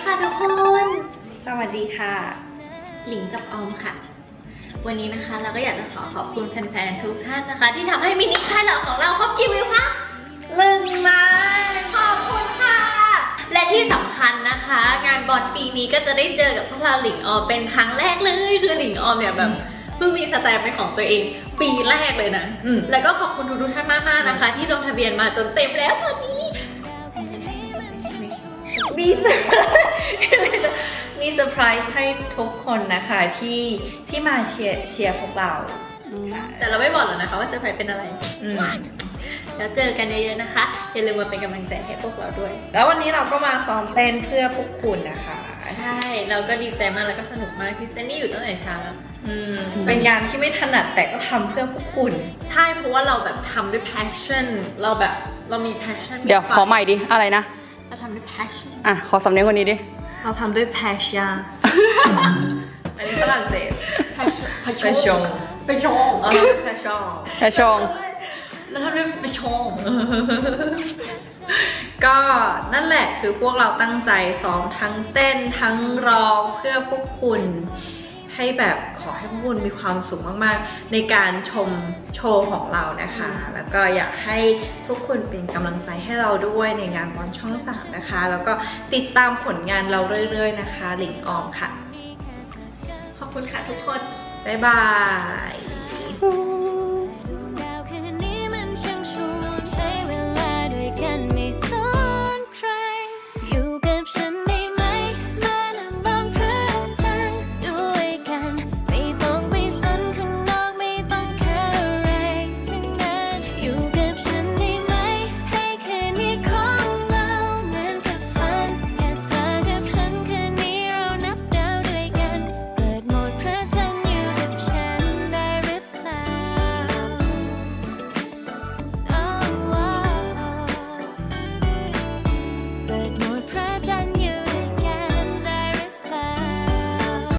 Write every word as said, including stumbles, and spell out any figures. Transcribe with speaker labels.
Speaker 1: ค่ะทุกคน
Speaker 2: สวัสดีค่ะ
Speaker 1: หลิงกับออมค่ะ วันนี้นะคะเราก็อยากจะขอขอบคุณแฟนๆทุกท่านนะคะที่ทำให้มินิค่ายเหล่าของเราครบกี่วิวคะ
Speaker 2: หนึ่งล้าน
Speaker 1: ขอบคุณค่ะ และที่สำคัญนะคะ งานบอลปีนี้ก็จะได้เจอกับพวกเราหลิงออมเป็นครั้งแรกเลยคือหลิงออมเนี่ยแบบเพิ่งมีสแตมป์เป็นของตัวเองปีแรกเลยนะแล้วก็ขอบคุณทุกท่านมากๆนะคะที่ลงทะเบียนมาจนเต็มแล้วตอนนี้
Speaker 2: มีเซอร์ไพรส์มีเซอร์ไพรส์ให้ทุกคนนะคะที่ที่มาเชียร์เชียร์พวกเรา
Speaker 1: แต่เราไม่บอกหรอกนะคะว่าเซอร์ไพรส์เป็นอะไรแล้วเจอกันเยอะๆนะคะอย่าลืมมาเป็นกำลังใจให้พวกเราด้วย
Speaker 2: แล้ววันนี้เราก็มาซ้อมเต้นเพื่อพวกคุณนะคะ
Speaker 1: ใช่เราก็ดีใจมากแล้วก็สนุกมากที่เต้นนี่อยู่ตั้งแต่เช้า
Speaker 2: เป็นงานที่ไม่ถนัดแต่ก็ทำเพื่อพวกคุณ
Speaker 1: ใช่เพราะว่าเราแบบทำด้วย passion เราแบบเรามี passion
Speaker 3: เดี๋ยวขอใหม่ดิอะไรนะ
Speaker 1: เราทำด้วย passion
Speaker 3: อ่ะขอสำเนียงกว่านี้ดิ
Speaker 2: เราทำด้วย passion อันนี้ฝรั่งเศส
Speaker 1: passion
Speaker 2: passion
Speaker 1: passion
Speaker 2: เราทำด้วย passion
Speaker 3: แค่ชง
Speaker 1: เราทำด้วย passion
Speaker 2: ก็นั่นแหละคือพวกเราตั้งใจซ้อมทั้งเต้นทั้งร้องเพื่อพวกคุณให้แบบขอให้พวกคุณมีความสุขมากๆในการชมโชว์ของเรานะคะแล้วก็อยากให้ทุกคนเป็นกำลังใจให้เราด้วยในงานบอลช่องสามนะคะแล้วก็ติดตามผลงานเราเรื่อยๆนะคะหลิงออมค่ะ
Speaker 1: ขอบคุณค่ะทุกคน
Speaker 2: บ๊ายบาย